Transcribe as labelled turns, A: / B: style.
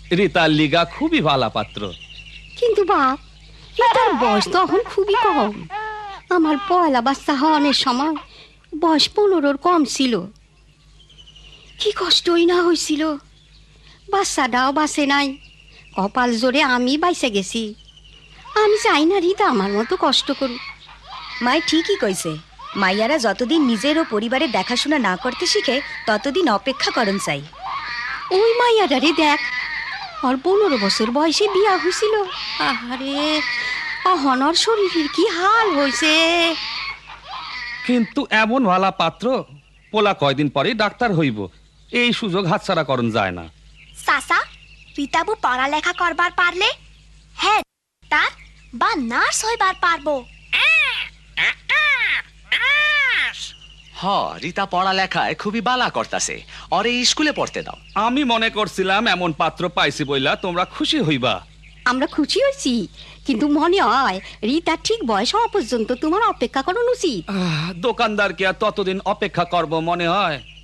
A: রিতার লিগা খুবই ভালা পাত্র।
B: কিন্তু বাপ, রিতার বয়স তো এখন খুবই কম। আমার পয়লা বাচ্চা হওয়ার সময় বয়স 15-র কম ছিল। কি কষ্টই না হয়েছিল, বাচ্চাটাও বাঁচে নাই। কপাল জোরে আমি বাইসে গেছি। আমি চাই না রিতা আমার মতো কষ্ট করুক।
C: মাই ঠিকই কইছে, মাইয়ারা যতদিন নিজের ও পরিবারের দেখাশোনা না করতে শিখে ততদিন অপেক্ষা করন চাই।
B: ওই মাইয়াটারে দেখ, ওর 15 বছর বয়সে বিয়া হয়েছিল। আহারে, অহনর শরীরের কি হাল হয়েছে।
A: কিন্তু এমন ভালা পাত্র, পোলা কয়দিন পরে ডাক্তার হইব, এই সুযোগ হাতছাড়া করন যায় না।
D: চাচা, রীতাবু পড়ালেখা করবার পারলে হ্যাঁ ডাক্তার বা নার্স হইবার পারবো।
E: রীতা পড়ালেখায় খুবই বালা করতাছে, ওরে স্কুলে পড়তে দাও।
A: আমি মনে করছিলাম এমন পাত্র পাইছি বইলা তোমরা খুশি হইবা।
B: আমরা খুশি হয়েছি, কিন্তু মনে হয় রিতা ঠিক বয়স হওয়া পর্যন্ত তোমার অপেক্ষা করানো উচিত।
A: দোকানদারকে আর ততদিন অপেক্ষা করব মনে হয়?